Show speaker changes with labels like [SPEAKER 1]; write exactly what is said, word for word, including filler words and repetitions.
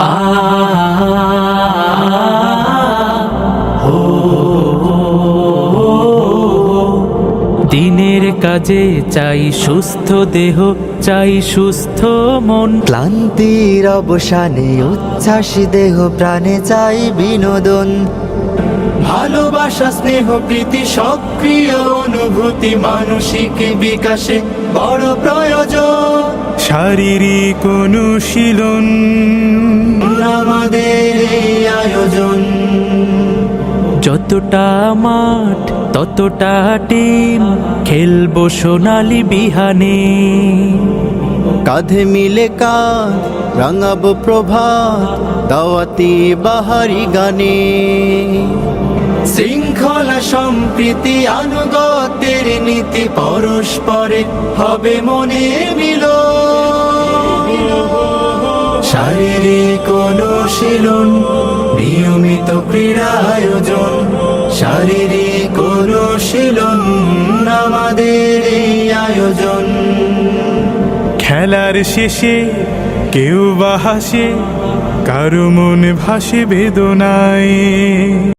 [SPEAKER 1] আ ও দিনের কাজে চাই সুস্থ দেহ, চাই সুস্থ মন।
[SPEAKER 2] ক্লান্তির অবসানে উচ্ছ্বাস দেহ প্রাণে চাই বিনোদন।
[SPEAKER 3] ভালোবাসা স্নেহ প্রীতি সক্রিয় অনুভূতি মানসিক বিকাশে বড় প্রয়োজন।
[SPEAKER 4] শারীরিক অনুশীলন
[SPEAKER 3] আমাদের এই আয়োজন।
[SPEAKER 1] যতটা মাঠ ততটা টিম, খেলবো সোনালি বিহানে।
[SPEAKER 2] কাঁধে মিলে কাঁধ রাঙাবো প্রভাত দাওয়াতি বাহারি গানে।
[SPEAKER 3] শৃঙ্খলা সম্প্রীতি আনুগত্যের নীতি পরস্পরে হবে মনে মিল। শারীরিক অনুশীলন নিয়মিত ক্রীড়া আয়োজন। শারীরিক অনুশীলন আমাদের এই আয়োজন।
[SPEAKER 4] খেলার শেষে কেউ বা হাসে, কারো মন ভাসে বেদনায়।